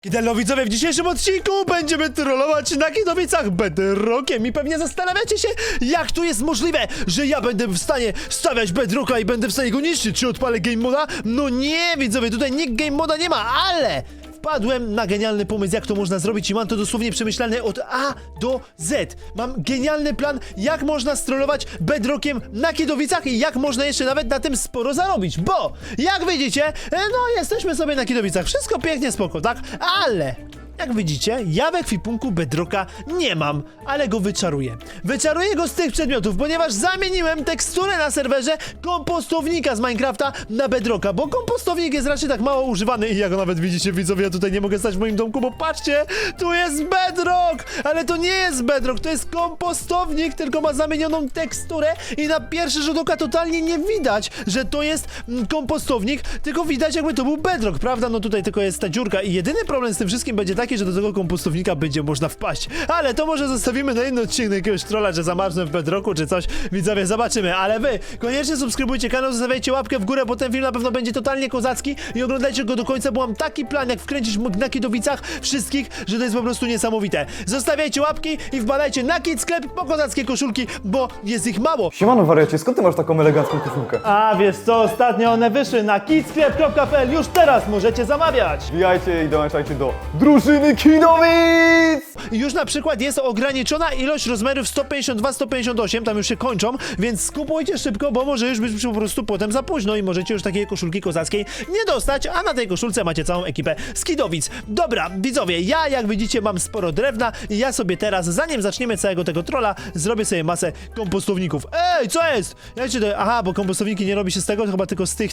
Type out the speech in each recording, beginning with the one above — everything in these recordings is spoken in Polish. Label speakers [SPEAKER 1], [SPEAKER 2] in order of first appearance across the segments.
[SPEAKER 1] Hello widzowie, w dzisiejszym odcinku będziemy trollować na Kidowicach bedrockiem i pewnie zastanawiacie się, jak to jest możliwe, że ja będę w stanie stawiać bedrocka i będę w stanie go niszczyć. Czy odpalę game moda? No nie, widzowie, tutaj nikt game moda nie ma, ale wpadłem na genialny pomysł, jak to można zrobić i mam to dosłownie przemyślane od A do Z. Mam genialny plan, jak można strollować bedrockiem na Kidowicach i jak można jeszcze nawet na tym sporo zarobić, bo jak widzicie, no jesteśmy sobie na Kidowicach, wszystko pięknie, spoko, tak? Ale jak widzicie, ja w ekwipunku bedrocka nie mam, ale go wyczaruję. Wyczaruję go z tych przedmiotów, ponieważ zamieniłem teksturę na serwerze kompostownika z Minecrafta na bedrocka, bo kompostownik jest raczej tak mało używany i jak nawet widzicie, widzowie, ja tutaj nie mogę stać w moim domku, bo patrzcie, tu jest bedrock, ale to nie jest bedrock, to jest kompostownik, tylko ma zamienioną teksturę i na pierwszy rzut oka totalnie nie widać, że to jest kompostownik, tylko widać, jakby to był bedrock, prawda? No tutaj tylko jest ta dziurka i jedyny problem z tym wszystkim będzie taki, że do tego kompostownika będzie można wpaść. Ale to może zostawimy na inny odcinek jakiegoś trolla, że zamarznę w bedrocku czy coś. Widzowie, zobaczymy. Ale wy koniecznie subskrybujcie kanał, zostawiajcie łapkę w górę, bo ten film na pewno będzie totalnie kozacki i oglądajcie go do końca, bo mam taki plan, jak wkręcić na Kidowicach wszystkich, że to jest po prostu niesamowite. Zostawiajcie łapki i wbadajcie na Kid Sklep po kozackie koszulki, bo jest ich mało.
[SPEAKER 2] Siemano wariacie, skąd ty masz taką elegancką koszulkę?
[SPEAKER 1] A wiesz co, ostatnio one wyszły na kidsklep.pl, już teraz możecie zamawiać.
[SPEAKER 2] Wbijajcie i dołączajcie do drużyny Kidowic!
[SPEAKER 1] I już na przykład jest ograniczona ilość rozmiarów 152-158, tam już się kończą, więc skupujcie szybko, bo może już być po prostu potem za późno i możecie już takiej koszulki kozackiej nie dostać, a na tej koszulce macie całą ekipę z Kidowic. Dobra, widzowie, ja jak widzicie mam sporo drewna i ja sobie teraz, zanim zaczniemy całego tego trolla, zrobię sobie masę kompostowników. Ej, co jest? Jak się to... Aha, bo kompostowniki nie robi się z tego, chyba tylko z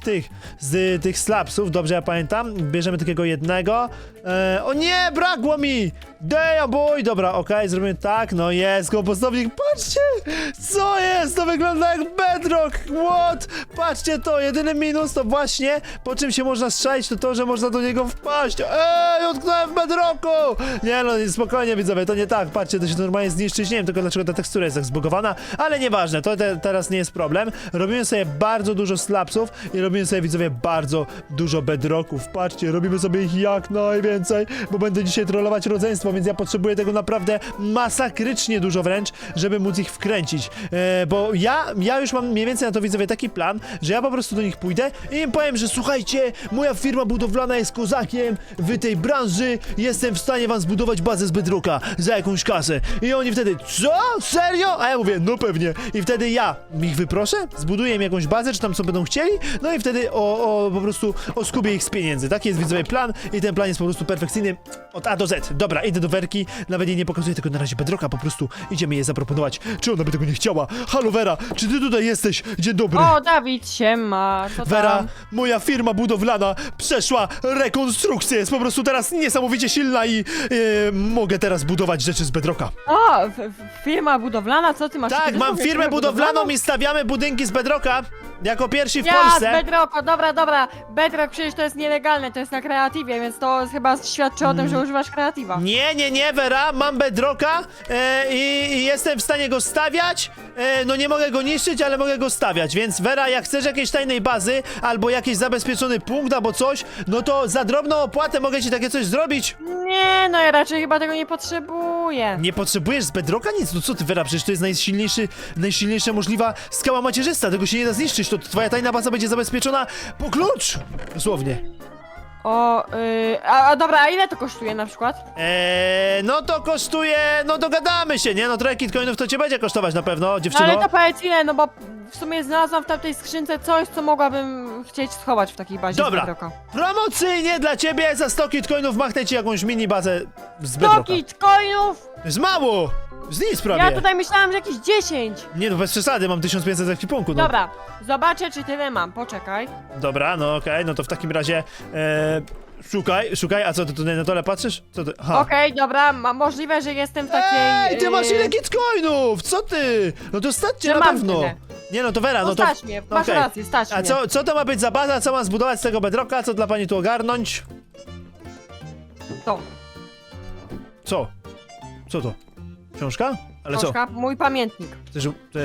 [SPEAKER 1] tych slabsów, dobrze ja pamiętam. Bierzemy takiego jednego. O nie, brakło mi! Damn boy! Dobra, okej, zrobimy tak, no jest, kompostownik, patrzcie! Co jest? To wygląda jak bedrock! What? Patrzcie to, jedyny minus to właśnie, po czym się można strzelić, to to, że można do niego wpaść. Ej, utknąłem w bedrocku! Nie no, spokojnie widzowie, to nie tak, patrzcie, to się normalnie zniszczyć, nie wiem tylko dlaczego ta tekstura jest tak zbugowana, ale nieważne, to teraz nie jest problem. Robimy sobie bardzo dużo slabsów i robimy sobie, widzowie, bardzo dużo bedrocków. Patrzcie, robimy sobie ich jak najwięcej, bo będę dzisiaj trollować rodzeństwo, więc ja potrzebuję tego naprawdę masakrycznie dużo wręcz, żeby móc ich wkręcić. Bo ja już mam mniej więcej na to, widzowie, taki plan, że ja po prostu do nich pójdę i im powiem, że słuchajcie, moja firma budowlana jest kozakiem w tej branży, jestem w stanie wam zbudować bazę z bedrocka za jakąś kasę. I oni wtedy, co? Serio? A ja mówię, no pewnie. I wtedy ja ich wyproszę, zbuduję im jakąś bazę, czy tam co będą chcieli, no i wtedy po prostu oskubię ich z pieniędzy. Taki jest, widzowie, plan i ten plan jest po prostu perfekcyjny od A do Z. Dobra, idę do Werki, nawet jej nie pokazuję tego na razie bedrocka, po prostu idziemy jej zaproponować. Czy ona by tego nie chciała? Halo Wera, czy ty tutaj jesteś? Dzień dobry.
[SPEAKER 3] O, Dawid, siema, co
[SPEAKER 1] Wera,
[SPEAKER 3] tam?
[SPEAKER 1] moja firma budowlana przeszła rekonstrukcję, jest po prostu teraz niesamowicie silna i mogę teraz budować rzeczy z bedrocka.
[SPEAKER 3] O, firma budowlana, co ty masz?
[SPEAKER 1] Tak,
[SPEAKER 3] Ty
[SPEAKER 1] mam
[SPEAKER 3] też
[SPEAKER 1] firmę budowlaną i stawiamy budynki z bedrocka jako pierwsi w
[SPEAKER 3] Ja, z
[SPEAKER 1] Polsce.
[SPEAKER 3] Bedrocka, dobra, Bedrock przecież to jest nielegalne, to jest na kreatywie, więc to chyba świadczy o tym, że używasz kreatywa.
[SPEAKER 1] Nie, Wera, mam bedrocka i jestem w stanie go stawiać, no nie mogę go niszczyć, ale mogę go stawiać, więc Wera, jak chcesz jakiejś tajnej bazy, albo jakiś zabezpieczony punkt, albo coś, no to za drobną opłatę mogę ci takie coś zrobić.
[SPEAKER 3] Nie, no ja raczej chyba tego nie potrzebuję.
[SPEAKER 1] Nie potrzebujesz z bedrocka nic? No co ty, Wera, przecież to jest najsilniejsza możliwa skała macierzysta, tego się nie da zniszczyć, to twoja tajna baza będzie zabezpieczona po klucz! Dosłownie.
[SPEAKER 3] O, dobra, a ile to kosztuje na przykład?
[SPEAKER 1] No to kosztuje, no dogadamy się, nie? No trochę kitcoinów to cię będzie kosztować na pewno, dziewczyno.
[SPEAKER 3] Ale to powiedz ile, no bo w sumie znalazłam w tamtej skrzynce coś, co mogłabym chcieć schować w takiej bazie
[SPEAKER 1] Dobra,
[SPEAKER 3] z Bedrocka.
[SPEAKER 1] promocyjnie dla ciebie za 100 kitcoinów machnę ci jakąś mini bazę z
[SPEAKER 3] 100
[SPEAKER 1] bedrocka.
[SPEAKER 3] kitcoinów!
[SPEAKER 1] To jest mało! Z nic prawie.
[SPEAKER 3] Ja tutaj myślałam, że jakieś 10.
[SPEAKER 1] Nie no, bez przesady, mam 1500 w ekwipunku, no.
[SPEAKER 3] Dobra, zobaczę czy tyle mam, poczekaj.
[SPEAKER 1] Dobra, no okej, no to w takim razie szukaj, a co, ty tutaj na dole patrzysz? Co ty? Aha.
[SPEAKER 3] Okej, dobra, możliwe, że jestem w takiej...
[SPEAKER 1] Ej, ty masz ile kitcoinów? Co ty? No to stać cię
[SPEAKER 3] Że
[SPEAKER 1] na
[SPEAKER 3] mam
[SPEAKER 1] pewno.
[SPEAKER 3] tyle.
[SPEAKER 1] Nie no, to Wera, no
[SPEAKER 3] No
[SPEAKER 1] to...
[SPEAKER 3] stać mnie, masz
[SPEAKER 1] okej.
[SPEAKER 3] rację, stać
[SPEAKER 1] A
[SPEAKER 3] mnie.
[SPEAKER 1] co to ma być za baza? Co mam zbudować z tego bedrocka? Co dla pani tu ogarnąć?
[SPEAKER 3] To,
[SPEAKER 1] Co? Co to? Książka? Ale
[SPEAKER 3] książka, mój pamiętnik.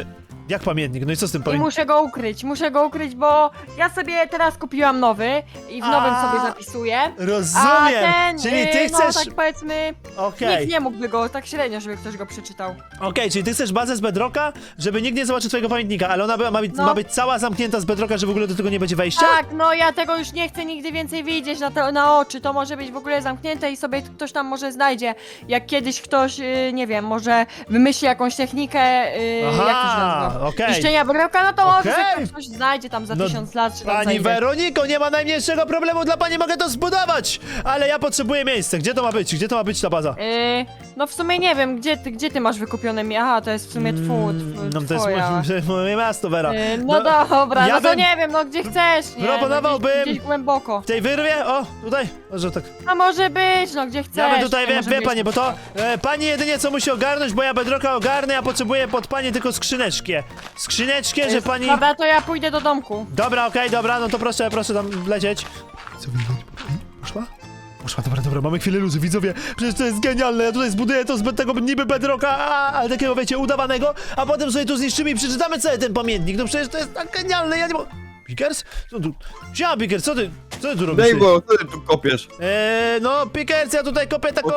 [SPEAKER 1] jak pamiętnik? No i co z tym
[SPEAKER 3] I
[SPEAKER 1] pamiętnikiem?
[SPEAKER 3] muszę go ukryć, bo ja sobie teraz kupiłam nowy i w nowym sobie zapisuję. A
[SPEAKER 1] Rozumiem,
[SPEAKER 3] ten,
[SPEAKER 1] czyli ty chcesz...
[SPEAKER 3] no tak powiedzmy,
[SPEAKER 1] Okej.
[SPEAKER 3] nikt nie mógłby go, tak średnio, żeby ktoś go przeczytał.
[SPEAKER 1] Okej, czyli ty chcesz bazę z Bedrocka, żeby nikt nie zobaczył twojego pamiętnika, ale ona
[SPEAKER 3] No.
[SPEAKER 1] ma być cała zamknięta z Bedrocka, że w ogóle do tego nie będzie wejścia?
[SPEAKER 3] Tak, no ja tego już nie chcę nigdy więcej widzieć na oczy, to może być w ogóle zamknięte i sobie ktoś tam może znajdzie, jak kiedyś ktoś, nie wiem, może wymyśli jakąś technikę, jak to się nazywa?
[SPEAKER 1] okej.
[SPEAKER 3] Niszczenia Bedrocka, no to może
[SPEAKER 1] Okej.
[SPEAKER 3] sobie ktoś znajdzie tam za
[SPEAKER 1] No,
[SPEAKER 3] 1000 lat, czy tam
[SPEAKER 1] Pani
[SPEAKER 3] za ile.
[SPEAKER 1] Weroniko, nie ma najmniejszego problemu, dla pani mogę to zbudować! Ale ja potrzebuję miejsca, gdzie to ma być? Gdzie to ma być ta baza?
[SPEAKER 3] No w sumie nie wiem, gdzie ty masz wykupione Aha, to jest w sumie
[SPEAKER 1] No to jest
[SPEAKER 3] twoja.
[SPEAKER 1] moje miasto, Vera.
[SPEAKER 3] No dobra,
[SPEAKER 1] ja
[SPEAKER 3] no to
[SPEAKER 1] bym
[SPEAKER 3] nie wiem, no gdzie chcesz, nie?
[SPEAKER 1] proponowałbym-
[SPEAKER 3] No, gdzieś głęboko.
[SPEAKER 1] W tej wyrwie? O, tutaj? Może tak.
[SPEAKER 3] A może być, no gdzie chcesz.
[SPEAKER 1] Ja bym tutaj,
[SPEAKER 3] nie może
[SPEAKER 1] wie
[SPEAKER 3] być.
[SPEAKER 1] pani, bo to pani jedynie co musi ogarnąć, bo ja Bedrocka ogarnę, ja potrzebuję pod panie tylko skrzyneczkę. Skrzyneczkę, że pani...
[SPEAKER 3] Dobra, to ja pójdę do domku.
[SPEAKER 1] Dobra, okej, dobra, no to proszę tam lecieć. Co, poszła? Poszła, dobra, mamy chwilę luzu, widzowie, przecież to jest genialne, ja tutaj zbuduję to z tego niby Bedrocka, ale takiego, wiecie, udawanego, a potem sobie to zniszczymy i przeczytamy cały ten pamiętnik, no przecież to jest tak genialne, ja nie mogę... Pickers? Co tu? Siema, Pickers, co ty tu robisz?
[SPEAKER 2] Dej, bo co ty tu kopiesz?
[SPEAKER 1] No, Pickers, ja tutaj kopię taką,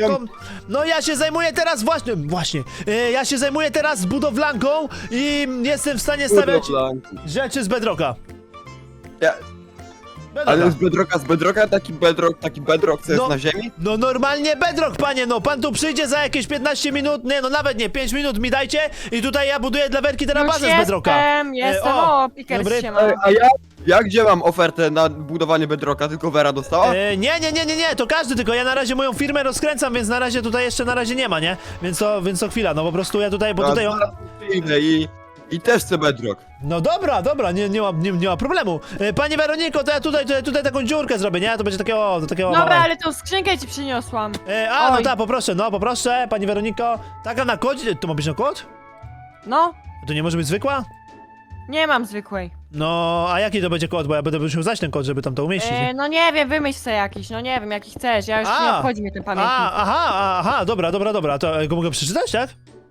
[SPEAKER 1] no ja się zajmuję teraz właśnie, ja się zajmuję teraz budowlanką i jestem w stanie stawiać rzeczy z Bedrocka.
[SPEAKER 2] Ja,
[SPEAKER 1] Bedrocka.
[SPEAKER 2] ale z Bedrocka taki Bedrock, co jest
[SPEAKER 1] No.
[SPEAKER 2] na ziemi?
[SPEAKER 1] No normalnie Bedrock, panie, no pan tu przyjdzie za jakieś 15 minut, nie no nawet nie, 5 minut mi dajcie i tutaj ja buduję dla Werki teraz
[SPEAKER 3] Już
[SPEAKER 1] bazę z Bedrocka.
[SPEAKER 3] Jestem,
[SPEAKER 1] o,
[SPEAKER 3] o, Pickers
[SPEAKER 1] dobry.
[SPEAKER 3] się ma.
[SPEAKER 2] A ja gdzie mam ofertę na budowanie Bedrocka? Tylko Vera dostała?
[SPEAKER 1] Nie, to każdy, tylko ja na razie moją firmę rozkręcam, więc na razie tutaj jeszcze na razie nie ma, nie? Więc to chwila, no po prostu ja tutaj, bo
[SPEAKER 2] Ja
[SPEAKER 1] tutaj...
[SPEAKER 2] zaraz przyjdę i też chcę Bedrock.
[SPEAKER 1] No dobra, nie ma problemu. Pani Weroniko, to ja tutaj taką dziurkę zrobię, nie? To będzie takiego...
[SPEAKER 3] Dobra, ale tą skrzynkę ci przyniosłam.
[SPEAKER 1] No
[SPEAKER 3] Oj.
[SPEAKER 1] tak, poproszę, pani Weroniko. Taka na kodzie, to ma być na kod?
[SPEAKER 3] No,
[SPEAKER 1] To nie może być zwykła?
[SPEAKER 3] nie mam zwykłej.
[SPEAKER 1] No, a jaki to będzie kod? Bo ja będę musiał znać ten kod, żeby tam to umieścić. nie?
[SPEAKER 3] No nie wiem, wymyśl sobie jakiś, no nie wiem, jaki chcesz, ja już
[SPEAKER 1] A.
[SPEAKER 3] nie obchodzi mnie ten pamiętnik.
[SPEAKER 1] Aha, dobra, to go mogę przeczytać, tak?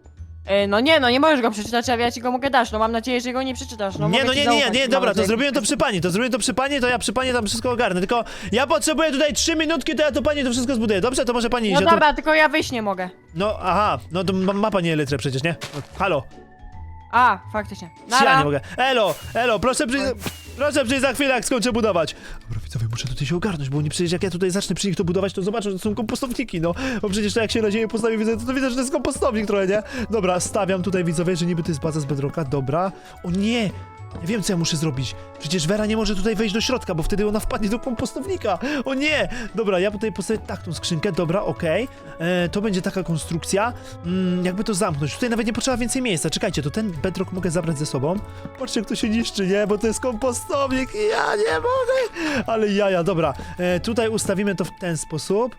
[SPEAKER 3] No nie możesz go przeczytać, a ja ci go mogę dać, no mam nadzieję, że go nie przeczytasz, no mogę ci zaufać,
[SPEAKER 1] nie,
[SPEAKER 3] mam
[SPEAKER 1] dobra, to
[SPEAKER 3] nadzieję.
[SPEAKER 1] zrobiłem to przy pani, to ja przy pani tam wszystko ogarnę, tylko ja potrzebuję tutaj 3 minutki, to ja to pani to wszystko zbuduję, dobrze? To może pani iść,
[SPEAKER 3] No
[SPEAKER 1] ja tu...
[SPEAKER 3] dobra, tylko ja wyjść nie mogę.
[SPEAKER 1] No, aha, no to ma pani elytrę przecież, nie? No, halo,
[SPEAKER 3] A, faktycznie.
[SPEAKER 1] ja
[SPEAKER 3] Nara.
[SPEAKER 1] nie mogę. Elo, proszę przyjść za chwilę, jak skończę budować. Dobra, widzowie, muszę tutaj się ogarnąć, bo oni przecież jak ja tutaj zacznę przy nich to budować, to zobaczą, że to są kompostowniki, no. Bo przecież to jak się na ziemię postawi, to widzę, że to jest kompostownik trochę, nie? Dobra, stawiam tutaj, widzowie, że niby to jest baza z Bedrocka, dobra. O nie! Ja wiem, co ja muszę zrobić. Przecież Vera nie może tutaj wejść do środka, bo wtedy ona wpadnie do kompostownika. O nie! Dobra, ja tutaj postawię tak tą skrzynkę, dobra, okej. To będzie taka konstrukcja. Jakby to zamknąć. Tutaj nawet nie potrzeba więcej miejsca. Czekajcie, to ten bedrock mogę zabrać ze sobą. Patrzcie, jak to się niszczy, nie? Bo to jest kompostownik i ja nie mogę. Ale jaja, dobra. Tutaj ustawimy to w ten sposób.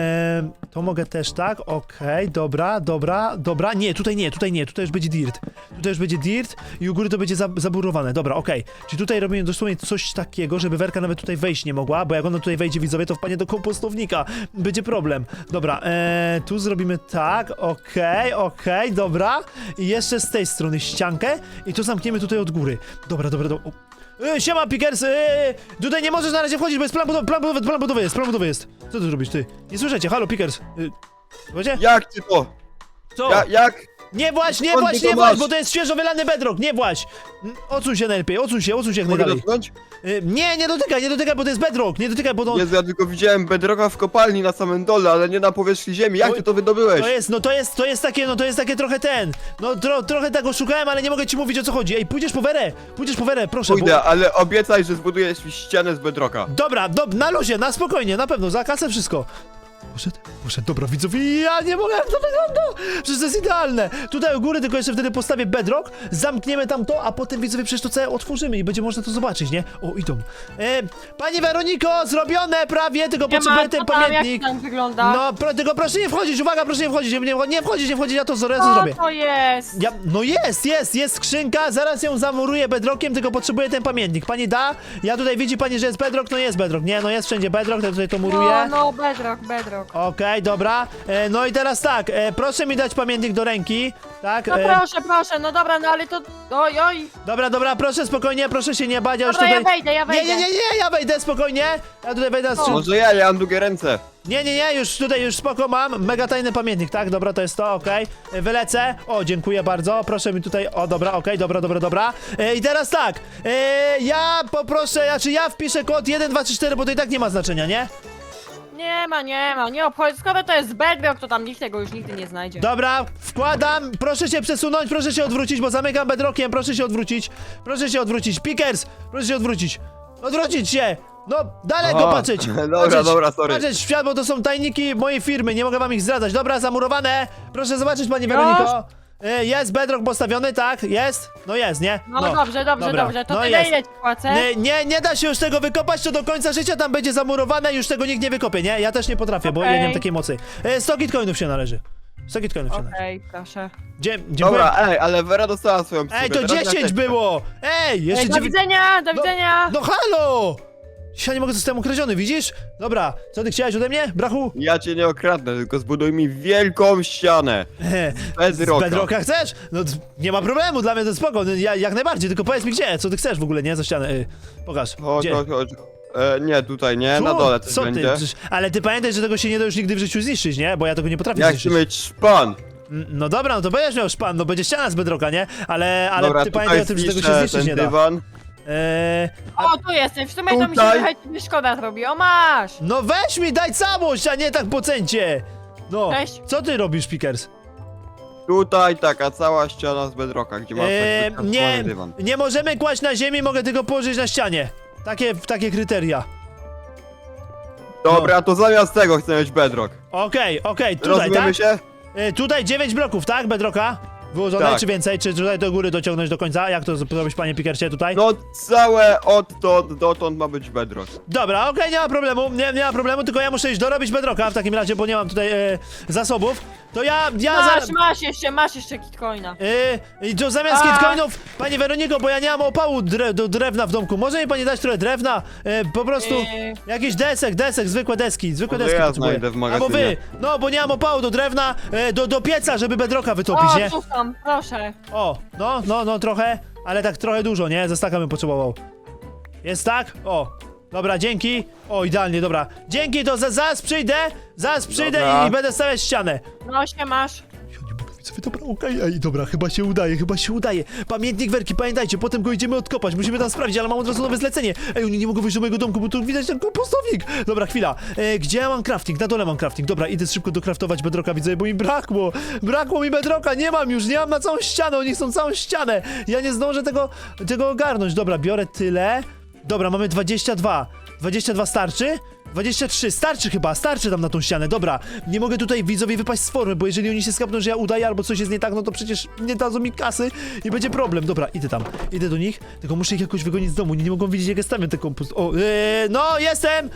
[SPEAKER 1] To mogę też tak, okej, dobra, nie, tutaj już będzie dirt. Tutaj już będzie dirt i u góry to będzie zaburowane, dobra, okej. Czyli tutaj robimy dosłownie coś takiego, żeby Werka nawet tutaj wejść nie mogła, bo jak ona tutaj wejdzie, widzowie, to wpadnie do kompostownika. Będzie problem. Dobra, tu zrobimy tak, okej, dobra. I jeszcze z tej strony ściankę i to zamkniemy tutaj od góry. Dobra. Siema, Pickers, tutaj nie możesz na razie wchodzić, bo jest plan budowy jest. Co ty robisz, ty? Nie słyszycie, halo, Pickers. Słuchajcie?
[SPEAKER 2] Jak ty to?
[SPEAKER 1] Co?
[SPEAKER 2] Jak?
[SPEAKER 1] Nie właź,
[SPEAKER 2] Skąd ty to masz?
[SPEAKER 1] bo to jest świeżo wylany bedrock, nie właź. Odsuń się najlepiej, odsuń się jak
[SPEAKER 2] Mogę
[SPEAKER 1] najdalej.
[SPEAKER 2] dotknąć?
[SPEAKER 1] Nie dotykaj, bo to jest bedrock, nie dotykaj, bo to...
[SPEAKER 2] Jezu, ja tylko widziałem Bedrocka w kopalni na samym dole, ale nie na powierzchni ziemi. Jak ty to wydobyłeś?
[SPEAKER 1] To jest takie trochę trochę tego szukałem, ale nie mogę ci mówić, o co chodzi. Ej, pójdziesz po Werę, proszę.
[SPEAKER 2] Pójdę, ale obiecaj, że zbudujesz mi ścianę z Bedrocka.
[SPEAKER 1] Dobra, na luzie, na spokojnie, na pewno, za kasę wszystko. Poszedł, dobra, widzowie, ja nie mogę, jak to wygląda! Przecież to jest idealne! Tutaj u góry tylko jeszcze wtedy postawię bedrock, zamkniemy tam to, a potem, widzowie, przecież to całe otworzymy i będzie można to zobaczyć, nie? O, idą. Pani Weroniko, zrobione prawie, tylko potrzebuję ten pamiętnik.
[SPEAKER 3] Jak tam wygląda?
[SPEAKER 1] No, tylko proszę nie wchodzić, uwaga, proszę nie wchodzić, nie wchodzić, ja to zrobię.
[SPEAKER 3] Co to jest?
[SPEAKER 1] No jest skrzynka, zaraz ją zamuruję bedrockiem, tylko potrzebuję ten pamiętnik. Pani da? Ja tutaj widzi pani, że jest bedrock, no jest bedrock, nie, no jest wszędzie bedrock, ja tutaj to muruję.
[SPEAKER 3] No, bedrock. bedrock.
[SPEAKER 1] Okej, dobra. No i teraz tak, proszę mi dać pamiętnik do ręki. Tak?
[SPEAKER 3] No proszę, no dobra, no ale to... Oj.
[SPEAKER 1] Dobra, proszę spokojnie, proszę się nie bać, ja już
[SPEAKER 3] Dobra,
[SPEAKER 1] tutaj...
[SPEAKER 3] ja wejdę.
[SPEAKER 1] Nie, ja wejdę spokojnie. Ja tutaj wejdę z...
[SPEAKER 2] Może ja mam długie ręce.
[SPEAKER 1] Nie, już spoko mam. Mega tajny pamiętnik, tak? Dobra, to jest to, okej. Wylecę. O, dziękuję bardzo. Proszę mi tutaj... O, dobra, okej, dobra. I teraz tak. Ja poproszę, ja wpiszę kod 1, 2, 3, 4, bo to i tak nie ma znaczenia, nie?
[SPEAKER 3] Nie ma, nie obchodzi. Skoro to jest bedrock, to tam nikt tego już nigdy nie znajdzie.
[SPEAKER 1] Dobra, wkładam. Proszę się przesunąć, proszę się odwrócić, bo zamykam bedrockiem. Proszę się odwrócić. Pickers, proszę się odwrócić. Odwrócić się. No, dalej go patrzeć.
[SPEAKER 2] Dobra, sorry.
[SPEAKER 1] Patrzeć w świat, bo to są tajniki mojej firmy, nie mogę wam ich zdradzać. Dobra, zamurowane. Proszę zobaczyć, pani Weroniko. Jest bedrock postawiony, tak? Jest? No jest, nie?
[SPEAKER 3] No dobrze. To
[SPEAKER 1] No
[SPEAKER 3] tyle
[SPEAKER 1] jest.
[SPEAKER 3] ile ci płacę?
[SPEAKER 1] Nie da się już tego wykopać, to do końca życia tam będzie zamurowane, już tego nikt nie wykopie, nie? Ja też nie potrafię, bo ja nie mam takiej mocy. 100 kitcoinów się należy. 100 kitcoinów się należy.
[SPEAKER 3] Okej, proszę.
[SPEAKER 1] Dziękuję.
[SPEAKER 2] Dobra, ale Vera dostała swoją psówkę.
[SPEAKER 1] Ej, to
[SPEAKER 2] teraz ja
[SPEAKER 1] 10
[SPEAKER 2] też.
[SPEAKER 1] było! Ej, jeszcze
[SPEAKER 3] Do
[SPEAKER 1] 9...
[SPEAKER 3] widzenia, do widzenia!
[SPEAKER 1] No halo! Ja nie mogę zostać ukradziony, widzisz? Dobra, co ty chciałeś ode mnie, brachu?
[SPEAKER 2] Ja cię nie okradnę, tylko zbuduj mi wielką ścianę.
[SPEAKER 1] Z
[SPEAKER 2] Bedrocka.
[SPEAKER 1] bedrocka chcesz? No nie ma problemu, dla mnie to spoko, no, jak najbardziej, tylko powiedz mi gdzie, co ty chcesz w ogóle, nie? Za ścianę, pokaż,
[SPEAKER 2] Chodź.
[SPEAKER 1] gdzie?
[SPEAKER 2] Nie, tutaj nie,
[SPEAKER 1] Tu?
[SPEAKER 2] na dole coś
[SPEAKER 1] Co
[SPEAKER 2] będzie.
[SPEAKER 1] ty? Ale ty pamiętaj, że tego się nie da już nigdy w życiu zniszczyć, nie? Bo ja tego nie potrafię
[SPEAKER 2] Ja chcę
[SPEAKER 1] zniszczyć.
[SPEAKER 2] mieć szpan.
[SPEAKER 1] No dobra, no to będziesz miał szpan, no będzie ściana z bedrocka, nie? Ale
[SPEAKER 2] Dobra,
[SPEAKER 1] ty pamiętaj o tym, że tego się zniszczyć
[SPEAKER 2] ten
[SPEAKER 1] nie da.
[SPEAKER 2] dywan.
[SPEAKER 3] O, tu jesteś, w sumie to mi się
[SPEAKER 2] Tutaj.
[SPEAKER 3] trochę szkoda zrobi. O, masz!
[SPEAKER 1] No weź mi, daj całość, a nie tak po cencie! No,
[SPEAKER 3] Cześć.
[SPEAKER 1] co ty robisz, Pickers?
[SPEAKER 2] Tutaj taka cała ściana z bedrocka, gdzie masz taki
[SPEAKER 1] Nie,
[SPEAKER 2] skrzyżowany dywan.
[SPEAKER 1] nie możemy kłaść na ziemi, mogę tylko położyć na ścianie. Takie kryteria.
[SPEAKER 2] Dobra, to zamiast tego chcę mieć bedrock.
[SPEAKER 1] Okej, tutaj,
[SPEAKER 2] Rozumiemy
[SPEAKER 1] tak?
[SPEAKER 2] się?
[SPEAKER 1] Tutaj 9 bloków, tak, bedrocka? Wyłożone,
[SPEAKER 2] Tak.
[SPEAKER 1] czy więcej? Czy tutaj do góry dociągnąć do końca? Jak to zrobić, panie Pickercie, tutaj?
[SPEAKER 2] No całe odtąd dotąd ma być bedrock.
[SPEAKER 1] Dobra, okej, nie ma problemu, nie ma problemu, tylko ja muszę iść dorobić bedrocka w takim razie, bo nie mam tutaj zasobów. To ja
[SPEAKER 3] Masz jeszcze kitcoina.
[SPEAKER 1] To zamiast kitcoinów, pani Weroniko, bo ja nie mam opału do drewna w domku, może mi pani dać trochę drewna? Po prostu jakiś desek, zwykłe deski
[SPEAKER 2] Może
[SPEAKER 1] deski
[SPEAKER 2] ja
[SPEAKER 1] potrzebuję.
[SPEAKER 2] znajdę w
[SPEAKER 1] Albo wy,
[SPEAKER 2] magazynie.
[SPEAKER 1] no bo nie mam opału do drewna, do pieca, żeby bedrocka wytopić, nie?
[SPEAKER 3] O, tu są, proszę.
[SPEAKER 1] O, no trochę, ale tak trochę dużo, nie? Ze staka bym potrzebował. Jest tak? O, dobra, dzięki. O, idealnie, dobra. Dzięki, to zaraz przyjdę
[SPEAKER 2] Dobra.
[SPEAKER 1] i będę stawiać ścianę.
[SPEAKER 3] No się masz.
[SPEAKER 1] Ja nie mogę, widzowie, dobra, okej, ej, dobra, chyba się udaje. Pamiętnik Werki, pamiętajcie, potem go idziemy odkopać, musimy tam sprawdzić, ale mam od razu nowe zlecenie. Ej, oni nie mogą wyjść do mojego domku, bo tu widać ten kompostownik. Dobra, chwila, gdzie ja mam crafting? Na dole mam crafting, dobra, idę szybko docraftować bedrocka, widzowie, bo mi brakło mi bedrocka, nie mam na całą ścianę, oni chcą całą ścianę. Ja nie zdążę tego ogarnąć, dobra, biorę tyle. Dobra, mamy 22 starczy? 23, starczy tam na tą ścianę, dobra. Nie mogę tutaj widzowie wypaść z formy, bo jeżeli oni się skapną, że ja udaję albo coś jest nie tak, no to przecież nie dadzą mi kasy i będzie problem. Dobra, idę do nich, tylko muszę ich jakoś wygonić z domu, nie mogą widzieć jak ja stawiam ten kompost. O, no jestem!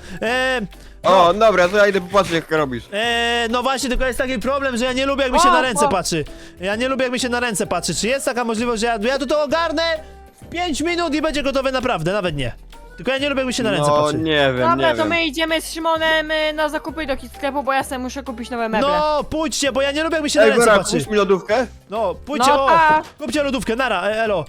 [SPEAKER 2] O, dobra, to ja idę popatrzeć jak robisz.
[SPEAKER 1] No właśnie, tylko jest taki problem, że ja nie lubię jak mi się na ręce patrzy. Ja nie lubię jak mi się na ręce patrzy. Czy jest taka możliwość, że ja to ogarnę w 5 minut i będzie gotowe naprawdę, nawet nie. Tylko ja nie lubię jak mi się na ręce
[SPEAKER 2] No
[SPEAKER 1] patrzy.
[SPEAKER 2] nie wiem,
[SPEAKER 3] Dobra,
[SPEAKER 2] nie
[SPEAKER 3] to
[SPEAKER 2] wiem.
[SPEAKER 3] my idziemy z Szymonem na zakupy do sklepu, bo ja sobie muszę kupić nowe meble.
[SPEAKER 1] No, pójdźcie, bo ja nie lubię jak mi się na
[SPEAKER 2] Ej,
[SPEAKER 1] ręce
[SPEAKER 2] Vera,
[SPEAKER 1] patrzy.
[SPEAKER 2] kup mi lodówkę?
[SPEAKER 1] No, pójdźcie,
[SPEAKER 3] No tak.
[SPEAKER 1] kupcie lodówkę, nara, elo.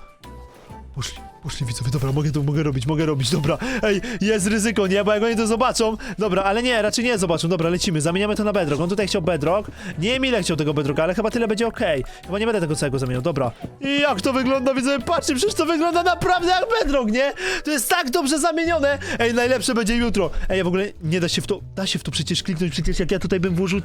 [SPEAKER 1] Poszli widzowie, dobra, mogę robić, dobra. Ej, jest ryzyko, nie, bo jak oni to zobaczą. Dobra, ale nie, raczej nie zobaczą, dobra, lecimy, zamieniamy to na bedrock. On tutaj chciał bedrock, nie wiem ile chciał tego bedrocka, ale chyba tyle będzie okej. Chyba nie będę tego całego zamieniał, dobra. I jak to wygląda, widzowie, patrzcie, przecież to wygląda naprawdę jak bedrock, nie? To jest tak dobrze zamienione. Ej, najlepsze będzie jutro. Ej, w ogóle nie da się w to przecież kliknąć, przecież jak ja tutaj bym włożył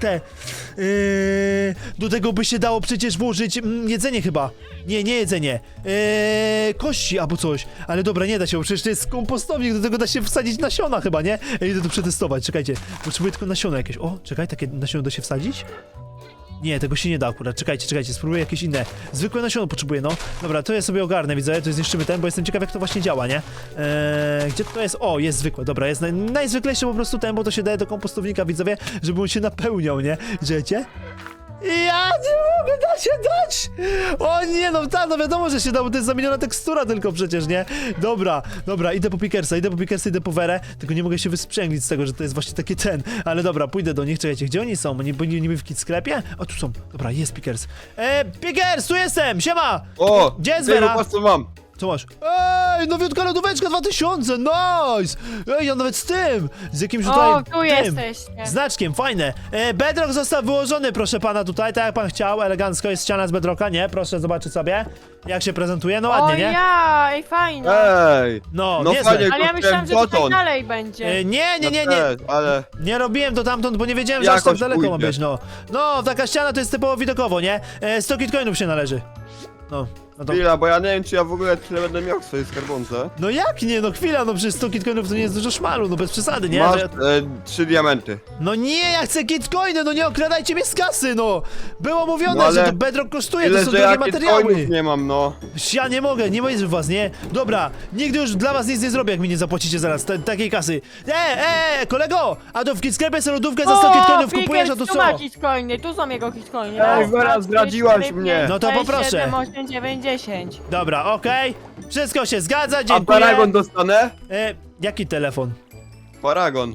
[SPEAKER 1] do tego by się dało przecież włożyć jedzenie chyba. Nie jedzenie. Kości albo coś. Ale dobra, nie da się, bo przecież to jest kompostownik, do tego da się wsadzić nasiona chyba, nie? Idę to przetestować, czekajcie. Potrzebuję tylko nasiona jakieś. O, czekaj, takie nasiona da się wsadzić? Nie, tego się nie da akurat, czekajcie, spróbuję jakieś inne. Zwykłe nasiono potrzebuję, no. Dobra, to ja sobie ogarnę, widzę, to zniszczymy ten, bo jestem ciekaw jak to właśnie działa, nie? Gdzie to jest? O, jest zwykłe, dobra, jest najzwyklejszy po prostu ten, bo to się daje do kompostownika, widzowie, żeby on się napełniał, nie? Widzicie? Ja nie mogę, da się dać! O nie, no tak, no wiadomo, że się da, bo to jest zamieniona tekstura tylko przecież, nie? Dobra, idę po Pickersa, idę po Werę, tylko nie mogę się wysprzęglić z tego, że to jest właśnie taki ten. Ale dobra, pójdę do nich, czekajcie, gdzie oni są? Oni byli niby w kit sklepie? O, tu są, dobra, jest Pickers. Pickers, tu jestem, siema!
[SPEAKER 2] O,
[SPEAKER 1] Gdzie jest
[SPEAKER 2] ty,
[SPEAKER 1] Vera?
[SPEAKER 2] popatrz co mam.
[SPEAKER 1] Co masz? Ej, nowiutka lodóweczka 2000, nice! Ej, ja nawet z tym, z jakimś tutaj,
[SPEAKER 3] O, tu
[SPEAKER 1] tym,
[SPEAKER 3] jesteście.
[SPEAKER 1] znaczkiem, fajne. Bedrock został wyłożony, proszę pana, tutaj, tak jak pan chciał, elegancko jest ściana z bedrocka, nie? Proszę zobaczyć sobie, jak się prezentuje, no
[SPEAKER 3] O
[SPEAKER 1] ładnie, nie?
[SPEAKER 3] ja, ej, fajnie.
[SPEAKER 2] Ej,
[SPEAKER 1] No,
[SPEAKER 2] no
[SPEAKER 1] niezłe.
[SPEAKER 2] fajnie,
[SPEAKER 3] Ale ja myślałam, że
[SPEAKER 2] dotąd.
[SPEAKER 3] tutaj dalej będzie.
[SPEAKER 1] Nie,
[SPEAKER 2] Ja też, ale
[SPEAKER 1] nie robiłem to tamtąd, bo nie wiedziałem, że aż tak
[SPEAKER 2] Jakoś
[SPEAKER 1] daleko ma
[SPEAKER 2] pójdzie.
[SPEAKER 1] być, no. No, taka ściana to jest typowo widokowo, nie? 100 kitcoinów się należy. No to...
[SPEAKER 2] chwila, bo ja nie wiem czy ja w ogóle tyle będę miał w swojej skarbonce.
[SPEAKER 1] No jak nie, no chwila, no przecież 100 kitcoinów to nie jest dużo szmalu, no bez przesady, nie?
[SPEAKER 2] Masz
[SPEAKER 1] Że-
[SPEAKER 2] 3 diamenty.
[SPEAKER 1] No nie, ja chcę kitcoiny, no nie okradajcie mnie z kasy, no! Było mówione,
[SPEAKER 2] No ale
[SPEAKER 1] że to bedrock kosztuje,
[SPEAKER 2] Tyle,
[SPEAKER 1] to są
[SPEAKER 2] że
[SPEAKER 1] drogie
[SPEAKER 2] ja
[SPEAKER 1] materiały.
[SPEAKER 2] bitcoinów nie mam, no.
[SPEAKER 1] Ja nie mogę, nie mówię w was, nie? Dobra, nigdy już dla was nic nie zrobię, jak mi nie zapłacicie zaraz takiej kasy. Kolego! A to w kitsklepie sobie lodówkę za 100 kitcoinów kupujesz, a to
[SPEAKER 3] tu
[SPEAKER 1] co?
[SPEAKER 3] ma kitcoiny, tu są jego kitcoiny.
[SPEAKER 2] Ej,
[SPEAKER 3] Raz,
[SPEAKER 2] Vera,
[SPEAKER 3] dwa, trzy,
[SPEAKER 2] zdradziłaś
[SPEAKER 3] cztery,
[SPEAKER 2] mnie.
[SPEAKER 3] pięć,
[SPEAKER 1] No to
[SPEAKER 3] sześć,
[SPEAKER 1] poproszę.
[SPEAKER 3] 7, 8, 9, 10.
[SPEAKER 1] Dobra, okej. Wszystko się zgadza,
[SPEAKER 2] A
[SPEAKER 1] dziękuję.
[SPEAKER 2] paragon dostanę?
[SPEAKER 1] Jaki telefon?
[SPEAKER 2] Paragon.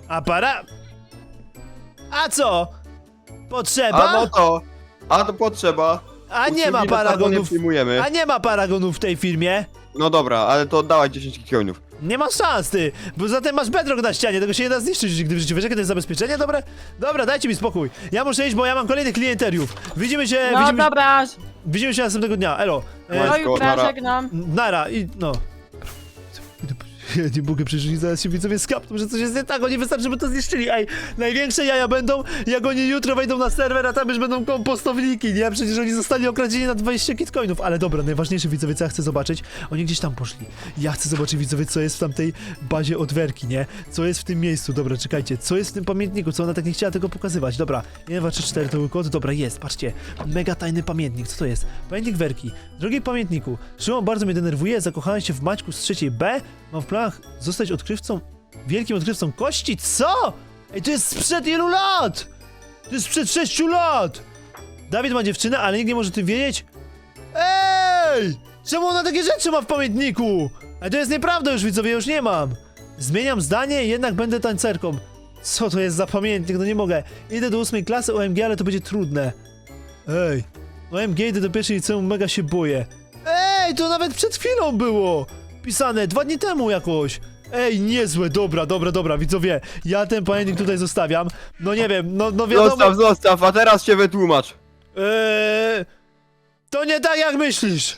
[SPEAKER 1] A co? Potrzeba?
[SPEAKER 2] A no to. A to potrzeba.
[SPEAKER 1] A nie ma
[SPEAKER 2] Usługi na Paragonie
[SPEAKER 1] paragonów.
[SPEAKER 2] przyjmujemy.
[SPEAKER 1] A nie ma paragonów w tej firmie.
[SPEAKER 2] No dobra, ale to oddawaj 10 kitcoinów.
[SPEAKER 1] Nie ma szans, ty, bo zatem masz bedrock na ścianie, tego się nie da zniszczyć nigdy w życiu. Wiesz, jakie to jest zabezpieczenie, dobre? Dobra, dajcie mi spokój. Ja muszę iść, bo ja mam kolejnych klienteriów. Widzimy się,
[SPEAKER 3] No dobra,
[SPEAKER 1] widzimy się następnego dnia. Elo.
[SPEAKER 3] do
[SPEAKER 2] Let's go,
[SPEAKER 3] jutra,
[SPEAKER 2] nara.
[SPEAKER 3] żegnam.
[SPEAKER 1] Nara i no. Ja nie mogę przeżyć, zaraz się widzowie skapną, że coś jest nie tak, oni wystarczy, żeby to zniszczyli. Ej, największe jaja będą, jak oni jutro wejdą na serwer, a tam już będą kompostowniki, nie? Przecież oni zostali okradzieni na 20 kitcoinów. Ale dobra, najważniejsze widzowie, co ja chcę zobaczyć, oni gdzieś tam poszli. Ja chcę zobaczyć widzowie, co jest w tamtej bazie odwerki, nie? Co jest w tym miejscu, dobra, czekajcie, co jest w tym pamiętniku, co ona tak nie chciała tego pokazywać. Dobra, 1, 2, 3, 4 to był kod, dobra, jest, patrzcie, mega tajny pamiętnik, co to jest? Pamiętnik Werki. Drogi pamiętniku, Szymon bardzo mnie denerwuje, zakochałem się w Maćku z 3 B, mam w planach zostać odkrywcą, wielkim odkrywcą kości, co? Ej, to jest sprzed ilu lat? To jest sprzed 6 lat! Dawid ma dziewczynę, ale nikt nie może o tym wiedzieć? Ej! Czemu ona takie rzeczy ma w pamiętniku? Ej, to jest nieprawda już, widzowie, już nie mam. Zmieniam zdanie, jednak będę tancerką. Co to jest za pamiętnik? No nie mogę. Idę do 8 klasy OMG, ale to będzie trudne. Ej, OMG, idę do pierwszej liceum, mega się boję. Ej, to nawet przed chwilą było! Pisane 2 dni temu jakoś. Ej, niezłe, dobra, widzowie. Ja ten pamiętnik tutaj zostawiam. No nie wiem, no wiadomo.
[SPEAKER 2] Zostaw, a teraz się wytłumacz.
[SPEAKER 1] To nie tak jak myślisz.